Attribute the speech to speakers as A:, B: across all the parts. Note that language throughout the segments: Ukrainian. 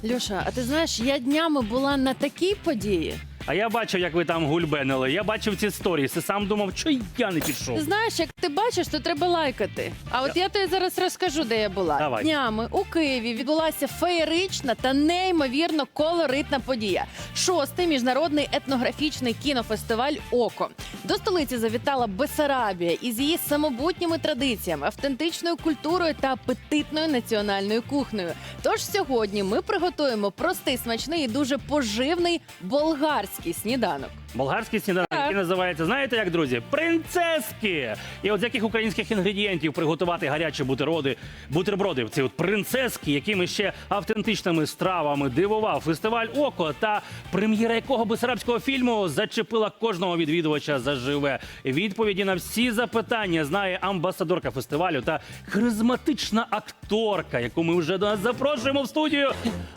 A: Льоша, а ти знаєш, я днями була на такій події.
B: А я бачив, як ви там гульбенили. Я бачив ці сторіси. Сам думав, що я не пішов.
A: Ти знаєш, як ти бачиш, то треба лайкати. А от я тобі зараз розкажу, де я була.
B: Давай.
A: Днями у Києві відбулася феєрична та неймовірно колоритна подія. 6-й міжнародний етнографічний кінофестиваль «Око». До столиці завітала Бессарабія із її самобутніми традиціями, автентичною культурою та апетитною національною кухнею. Тож сьогодні ми приготуємо простий, смачний і дуже поживний болгарський сніданок.
B: Болгарський сніданок, який називається, знаєте як, друзі? Принцески! І от з яких українських інгредієнтів приготувати гарячі бутерброди, ці от принцески, якими ще автентичними стравами дивував фестиваль «Око», та прем'єра якого бессарабського фільму зачепила кожного відвідувача заживе. Відповіді на всі запитання знає амбасадорка фестивалю та харизматична акторка, яку ми вже до нас запрошуємо в студію,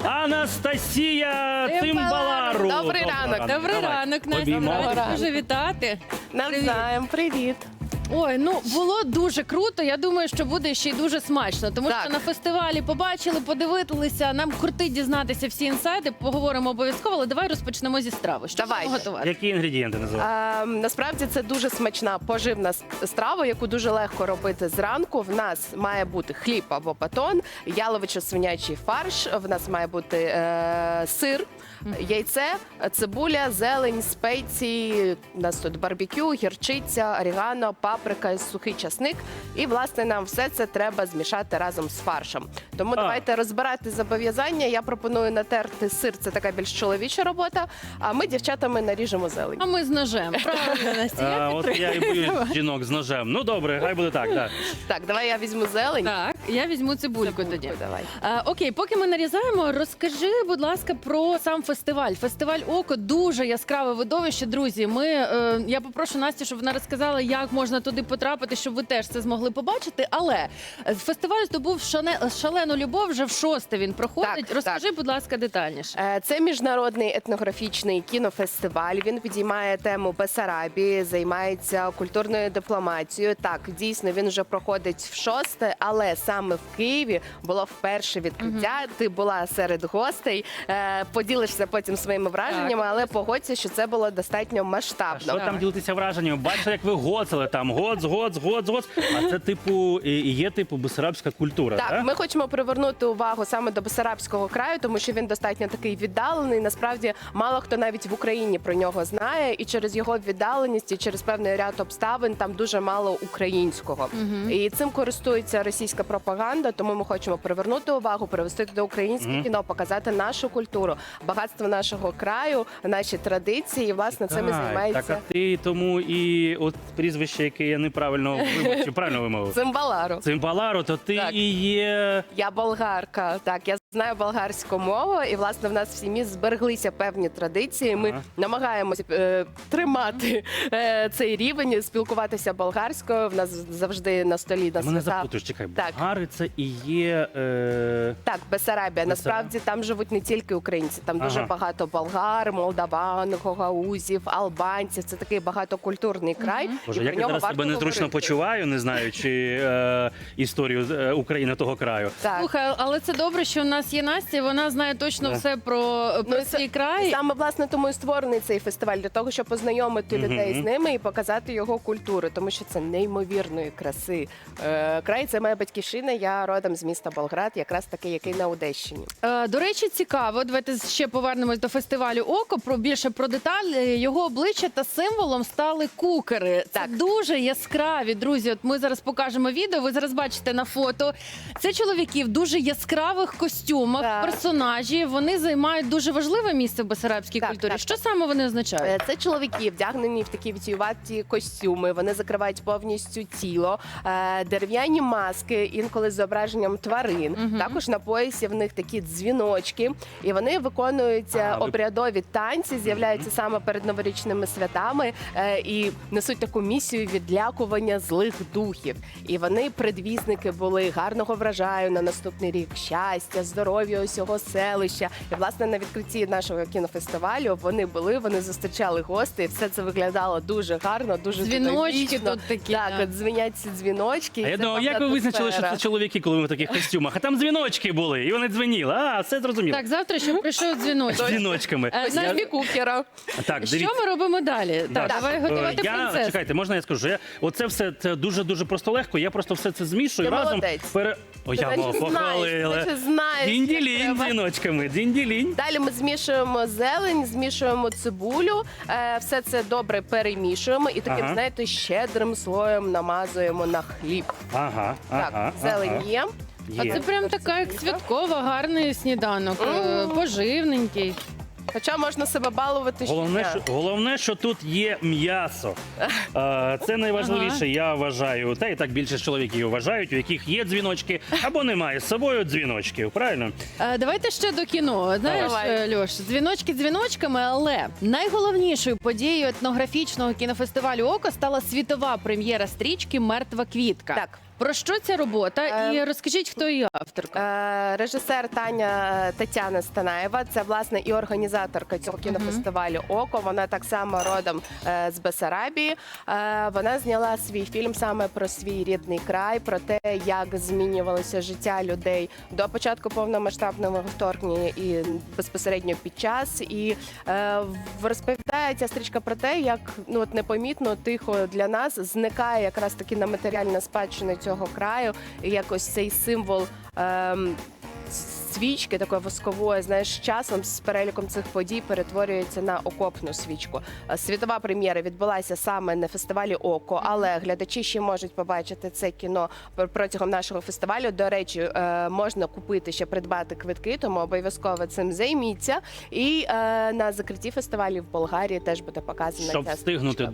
B: Анастасія Цимбалару.
C: Добрий ранок.
A: Добрий ранок, Настя.
B: Обіймати.
A: Раді дуже вітати.
C: Навзаєм, привіт.
A: Ой, ну було дуже круто. Я думаю, що буде ще й дуже смачно. Тому
C: Так.
A: що на фестивалі побачили, подивилися. Нам крутить дізнатися всі інсайди. Поговоримо обов'язково, але давай розпочнемо зі страви. Що
C: Давайте.
A: будемо готувати?
B: Які інгредієнти називають?
C: Насправді це дуже смачна поживна страва, яку дуже легко робити зранку. В нас має бути хліб або батон, яловичо-свинячий фарш, в нас має бути сир, яйце, цибуля, зелень, спеції, у нас тут барбекю, гірчиця, орегано, паприка і сухий часник. І, власне, нам все це треба змішати разом з фаршем. Тому давайте розбирати зобов'язання. Я пропоную натерти сир, це така більш чоловіча робота, а ми, дівчатами, наріжемо зелень.
A: А ми з ножем. Правильно, Настя, я
B: От
A: підтримую.
B: я і боюсь жінок з ножем. Ну добре, хай буде так. Да.
C: Так, давай я візьму зелень.
A: Так, я візьму цибульку тоді.
C: Давай.
A: Окей, поки ми нарізаємо, розкажи, будь ласка, про сам фестиваль. Фестиваль «Око» – дуже яскраве видовище, друзі. Я попрошу Настю, щоб вона розказала, як можна туди потрапити, щоб ви теж це змогли побачити. Але фестиваль здобув шалену любов, вже в 6-те він проходить.
C: Так,
A: Розкажи, будь ласка, детальніше.
C: Це міжнародний етнографічний кінофестиваль. Він підіймає тему Бессарабії, займається культурною дипломатією. Так, дійсно, він вже проходить в 6-те, але саме в Києві було вперше відкриття. Ти була серед гостей, поділишся потім своїми враженнями, але погодься, що це було достатньо масштабно.
B: Що там ділитися враженнями? Бачите, як ви гоцали там, гоц. А це типу, і є типу бессарабська культура,
C: Так, ми хочемо привернути увагу саме до Бессарабського краю, тому що він достатньо такий віддалений. Насправді, мало хто навіть в Україні про нього знає, і через його віддаленість, і через певний ряд обставин там дуже мало українського. І цим користується російська пропаганда, тому ми хочемо привернути увагу, привести до українське кіно, показати нашу культуру, багатство нашого краю, наші традиції. І, власне, цим і займається
B: Так, а ти тому і от прізвище, яке я неправильно вимовив, чи правильно вимовив?
C: Цимбалару.
B: Цимбалару, то ти
C: Так.
B: і є...
C: Я болгарка, так, я знаю болгарську мову, і, власне, в нас в сім'ї збереглися певні традиції. Ми намагаємося тримати цей рівень, спілкуватися болгарською. В нас завжди на столі на
B: Мене
C: свята.
B: запутуєш, чекай,
C: Так.
B: болгари це і є...
C: Так, Бессарабія. Насправді там живуть не тільки українці, там дуже багато болгар, молдаван, гагаузів, албанців. Це такий багатокультурний край.
B: Боже,
C: і
B: як
C: про
B: я
C: нього
B: зараз
C: варто
B: себе незручно
C: говорити.
B: почуваю, не знаючи історію України того краю.
C: Так.
A: Слухай, але це добре, що в нас є Настя, вона знає точно все про свій край.
C: Саме, власне, тому і створений цей фестиваль, для того, щоб познайомити людей з ними і показати його культуру, тому що це неймовірної краси. Край – це моя батьківщина, я родом з міста Болград, якраз такий, який на Одещині.
A: До речі, цікаво. Давайте ще повернемось до фестивалю «Око». Більше про деталі. Його обличчя та символом стали кукери. Це
C: Так.
A: дуже яскраві, друзі. От ми зараз покажемо відео, ви зараз бачите на фото. Це чоловіки в дуже яскравих костюмах,
C: Так.
A: персонажі. Вони займають дуже важливе місце в бессарабській
C: Так,
A: культурі.
C: так,
A: Що саме вони означають?
C: Це чоловіки, вдягнені в такі вітіюваті костюми, вони закривають повністю тіло, дерев'яні маски, інколи з зображенням тварин. Також на поясі в них такі дзвіночки, і вони виконуються обрядові танці, з'являються саме перед новорічними святами і несуть таку місію відлякування злих духів. І вони предвісники були гарного врожаю на наступний рік, щастя, здоров'я усього селища. І, власне, на відкритті нашого кінофестивалю вони зустрічали гостей. Все це виглядало дуже гарно, дуже
A: Дзвіночки
C: динамічно.
A: тут такі.
C: Так,
A: да.
C: от дзвенять ці дзвіночки.
B: А
C: і
B: я
C: це
B: думав, як ви
C: певна
B: визначили, що
C: атмосфера.
B: це чоловіки, коли ми в таких костюмах? А там дзвіночки були, і вони дзвеніли. А, все зрозуміло.
A: Так, завтра ще прийшов дзвіночок.
B: З дзвіночками.
A: Е,
C: Ось Іві Кукера.
B: Так,
A: Що ми робимо далі? Так, давай готувати принцесу.
B: Чекайте, можна я скажу? Оце все це дуже просто легко. Я просто все це змішую
C: Ти
B: разом.
C: молодець.
B: О,
C: Ти
B: я
C: наче
B: мов
C: знаєш,
B: похвалили.
C: наче знаєш, як
B: Дінділінь
C: треба.
B: дзвіночками, дінділінь.
C: Далі ми змішуємо зелень, змішуємо цибулю, все це добре перемішуємо і таким,
B: Ага.
C: знаєте, щедрим слоєм намазуємо на хліб.
B: Ага,
C: Так, зелень є.
A: А
B: Є.
A: це прям така як святкова, гарний сніданок, поживненький.
C: Хоча можна себе балувати щодня.
B: Головне, що тут є м'ясо. Це найважливіше, я вважаю. Та і так більше чоловіків вважають, у яких є дзвіночки або немає з собою дзвіночків. Правильно?
A: Давайте ще до кіно. Знаєш,
C: Давай.
A: Льош, дзвіночки дзвіночками, але найголовнішою подією етнографічного кінофестивалю «Око» стала світова прем'єра стрічки «Мертва квітка».
C: Так.
A: Про що ця робота? І розкажіть, хто її авторка.
C: Режисер Тетяна Станаєва, це власне і організаторка цього кінофестивалю «Око». Вона так само родом з Бессарабії. Вона зняла свій фільм саме про свій рідний край, про те, як змінювалося життя людей до початку повномасштабного вторгнення і безпосередньо під час. І розповідає ця стрічка про те, як непомітно, тихо для нас зникає якраз таки на матеріальна спадщина цього краю, і якось цей символ свічки такої воскової, знаєш, з часом з переліком цих подій перетворюється на окопну свічку. Світова прем'єра відбулася саме на фестивалі «Око», але глядачі ще можуть побачити це кіно протягом нашого фестивалю. До речі, можна купити, ще придбати квитки, тому обов'язково цим займіться. І на закритті фестивалю в Болгарії теж буде показана
B: Щоб
C: ця
B: встигнути
C: стрічка.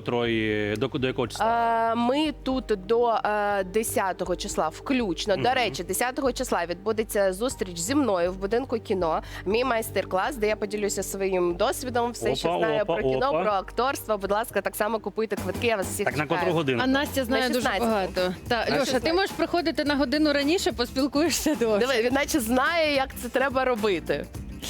B: до якого числа?
C: Ми тут до 10-го числа включно. До речі, 10-го числа відбудеться зустріч зі мною в будинку кіно. Мій майстер-клас, де я поділюся своїм досвідом, все, що знаю про кіно, про акторство. Будь ласка, так само купуйте квитки. Я вас всіх
B: Так на
C: чекаю.
B: котру годину?
A: А Настя знає
C: На
A: дуже
C: 16-му.
A: багато. Та, Льоша,
C: 16-му.
A: ти можеш приходити на годину раніше, поспілкуєшся довше.
C: Диви, він наче знає, як це треба робити.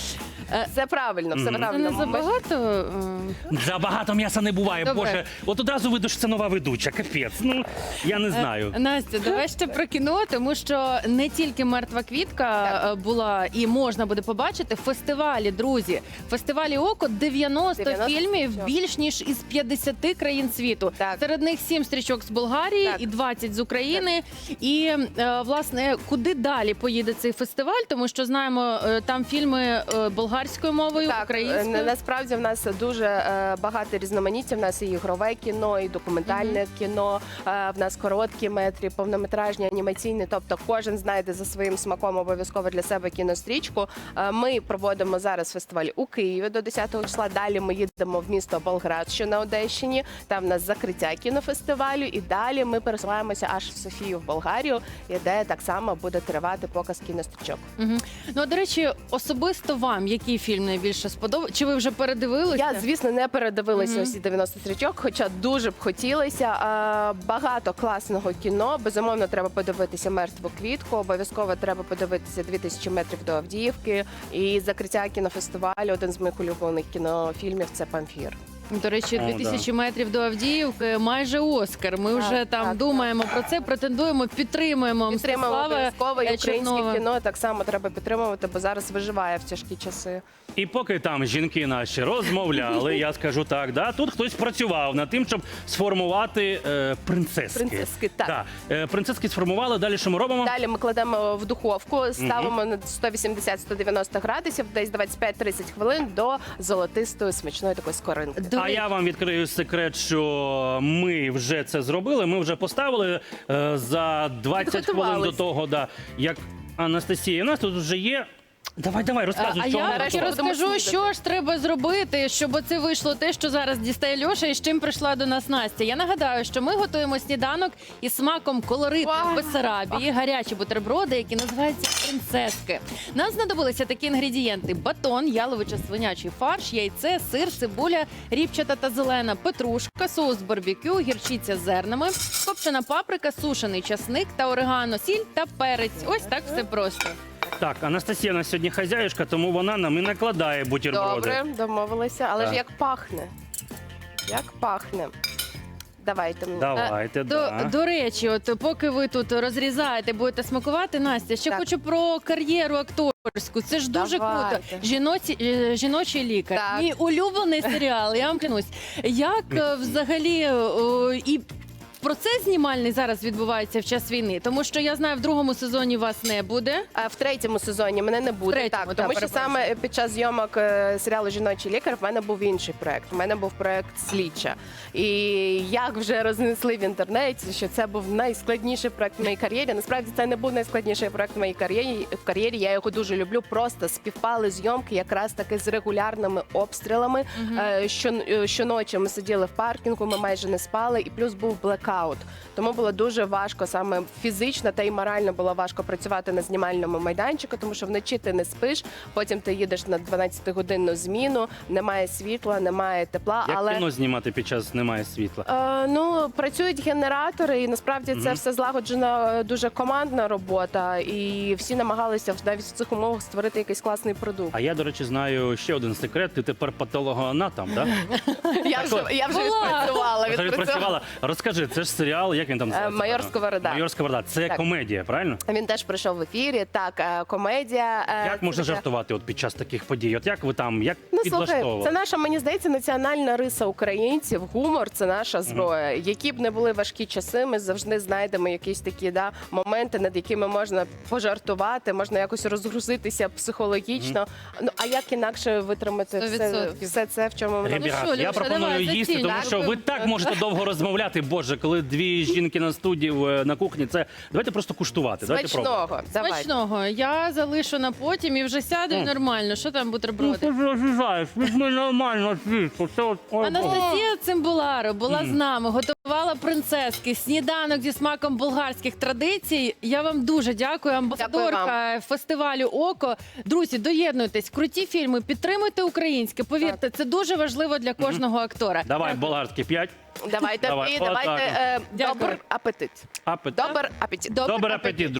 C: Все правильно, все
A: Це
C: правильно.
A: не забагато?
B: Забагато м'яса не буває,
A: Добре.
B: Боже. От одразу видно, що це нова ведуча, капець. Ну, я не знаю.
A: Настя, давай ще про кіно, тому що не тільки «Мертва квітка» була і можна буде побачити. Фестивалі, друзі, фестивалі «Око» 90 фільмів
C: стрічок.
A: більш ніж із 50 країн світу.
C: Так.
A: Серед них 7 стрічок з Болгарії
C: Так.
A: і 20 з України. І, власне, куди далі поїде цей фестиваль? Тому що знаємо, там фільми болгарською мовою,
C: Так,
A: українською.
C: насправді в нас дуже багато різноманіття. В нас і ігрове кіно, і документальне кіно. В нас короткі метрі, повнометражні, анімаційні. Тобто кожен знайде за своїм смаком обов'язково для себе кінострічку. Ми проводимо зараз фестиваль у Києві до 10-го числа. Далі ми їдемо в місто Болград, що на Одещині. Там в нас закриття кінофестивалю. І далі ми пересуваємося аж в Софію, в Болгарію, і де так само буде тривати показ кінострічок.
A: Мгм. Ну, а, до речі, особисто вам який фільм найбільше сподобався? Чи ви вже передивилися?
C: Я, звісно, не передивилася усі 90 стрічок, хоча дуже б хотілося. Багато класного кіно. Безумовно, треба подивитися «Мертву квітку», обов'язково треба подивитися «2000 метрів до Авдіївки». І закриття кінофестивалю, один з моїх улюблених кінофільмів – це «Памфір».
A: До речі,
B: О,
A: 2000 метрів до Авдіївки, майже Оскар. Ми вже там
C: так,
A: думаємо про це, претендуємо, підтримуємо
C: Підтримуємо
A: Мстислава
C: обов'язково, і українське
A: Чернова.
C: кіно так само треба підтримувати, бо зараз виживає в тяжкі часи.
B: І поки там жінки наші розмовляли, я скажу так, тут хтось працював над тим, щоб сформувати принцески.
C: Принцески, так.
B: Да. Принцески сформували, далі що ми робимо?
C: Далі ми кладемо в духовку, ставимо на 180-190 градусів, десь 25-30 хвилин до золотистої смачної такої скоринки.
B: А я вам відкрию секрет, що ми вже це зробили. Ми вже поставили за 20 хвилин до
C: Підготувались.
B: того, як Анастасія. У нас тут вже є. Давай, розказуй,
A: А
B: що
A: я
B: ми
C: нарешті
A: поки
B: готували.
C: будемо
A: розкажу,
C: снідати.
A: що ж треба зробити, щоб оце вийшло те, що зараз дістає Льоша і з чим прийшла до нас Настя. Я нагадаю, що ми готуємо сніданок із смаком колоритних
C: Вау!
A: Бессарабії, гарячі бутерброди, які називаються принцески. Нам знадобилися такі інгредієнти: батон, яловичо-свинячий фарш, яйце, сир, цибуля, ріпчата та зелена, петрушка, соус барбекю, гірчиця з зернами, копчена паприка, сушений часник та орегано, сіль та перець. Ось так все просто.
B: Так, Анастасія у нас сьогодні хазяюшка, тому вона нам і накладає бутерброди.
C: Добре, домовилися. Але
B: Так.
C: ж як пахне? Як пахне? Давайте мені.
B: Давайте, да.
A: До речі, от поки ви тут розрізаєте, будете смакувати, Настя, ще
C: Так.
A: хочу про кар'єру акторську. Це ж дуже
C: Давайте.
A: круто. Жіночий лікар.
C: Так.
A: Мій улюблений серіал, я вам клянусь. Як взагалі і процес знімальний зараз відбувається в час війни? Тому що я знаю, в другому сезоні вас не буде.
C: А в третьому сезоні мене не буде.
A: третьому,
C: Так,
A: да,
C: тому що
A: перепрошую.
C: саме під час зйомок серіалу Жіночий лікар в мене був інший проект. У мене був проект Слідча. І як вже рознесли в інтернеті, що це був найскладніший проект в моїй кар'єрі. Насправді це не був найскладніший проект в моїй кар'єрі. Я його дуже люблю. Просто співпали зйомки якраз таки з регулярними обстрілами. Щоночі ми сиділи в паркінгу, ми майже не спали, і плюс був блекаут. Тому було дуже важко, саме фізично та й морально було важко працювати на знімальному майданчику, тому що вночі ти не спиш, потім ти їдеш на 12-годинну зміну, немає світла, немає тепла.
B: Як
C: але
B: кіно знімати під час немає світла?
C: Ну, працюють генератори, і насправді це все злагоджена дуже командна робота, і всі намагалися навіть в цих умовах створити якийсь класний продукт.
B: А я, до речі, знаю ще один секрет. Ти тепер патологоанатом, так?
C: Я вже
A: Була.
C: відпрацювала.
B: Розкажи, це ж серіал, як він там називається?
C: «Майор Сковорода».
B: «Майор Сковорода». Це
C: Так.
B: комедія, правильно?
C: Він теж пройшов в ефірі. Так, комедія.
B: Як можна жартувати от під час таких подій? От як ви там, як
C: Ну, слухай,
B: підлаштовували?
C: це наша, мені здається, національна риса українців. Гумор це наша зброя. Які б не були важкі часи, ми завжди знайдемо якісь такі моменти, над якими можна пожартувати, можна якось розгрузитися психологічно. Ну а як інакше витримати
A: 100%.
C: все це, в чому ми
A: Ну
B: Ребят,
A: що,
B: я
A: Льоша,
B: пропоную
A: давай,
B: їсти,
A: зацінь,
B: тому
A: так?
B: що ви так можете довго розмовляти. Боже, коли дві жінки на студії на кухні, це давайте просто куштувати. Давайте пробувати.
C: смачного. Давай.
A: Смачного. Я залишу на потім і вже сяду і нормально. Що там бутерброди?
B: Ти ж розрізаєш, візьми нормально звідси. Це от, ой,
A: Анастасія Цимбуларо була з нами, готувала принцески, сніданок зі смаком болгарських традицій. Я вам дуже дякую, амбасадорка фестивалю «Око». Друзі, доєднуйтесь, круті фільми, підтримуйте українське. Повірте, це дуже важливо для кожного актора.
B: Давай, болгарський 5.
C: Давайте,
B: Давай,
C: і давайте
B: отак.
C: добр апетит.
B: Апет.
C: Добр апетит.
B: Добрий апетит.